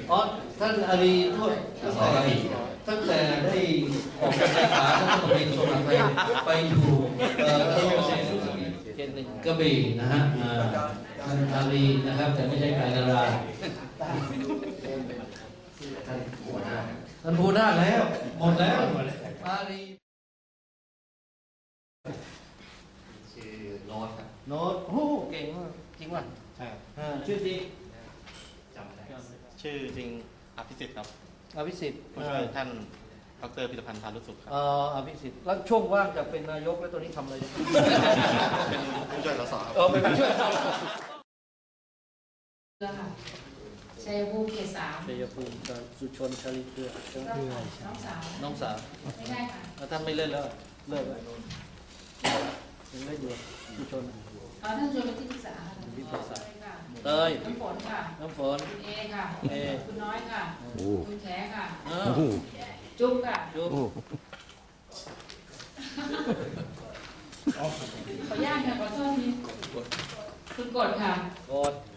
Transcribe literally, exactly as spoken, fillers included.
อ๋อท่านอารีด้วยตั้งแต่ตั้งแต่ได้ออกจากสาขาท่านต้องเป็นสมัครไปไปอยู่เอ่อกระทรวงเกษตรกระบี่นะฮะท่านอารีนะครับแต่ไม่ใช่การนาราท่านพูดได้แล้วหมดแล้วอารีชื่อโน้ตครับโน้ตโอ้เก่งมากจริงป่ะใช่ชื่อจริงจำได้ชื่อจริงอภิสิทธิ์ครับอภิสิทธิ์ผู้ช่วยท่านดรพิธภัณฑ์พานุสุขครับอ๋ออภิสิทธิ์แล้วช่วงว่างจากเป็นนายกแล้วตัวนี้ทำอะไรเป็นผู้ช่วยสสครับเออเป็นผู้ช่วยชัยภูมิเขตสามชัยภูมิสุชนชลิเกลือน้องสาวน้องสาวไม่ได้ค่ะแล้วท่านไม่เล่นแล้วเลิกแล้วยังเล่นอยู่สุชนอ๋อท่านชวนไปที่ปรึกษาที่ปรึกษาเตยน้ำฝนค่ะน้ำฝนคุณเอค่ะเอคุณน้อยค่ะคุณแขค่ะจุ๊บค่ะจุ๊บขออนุญาตค่ะขอโทษทีคุณกดค่ะกด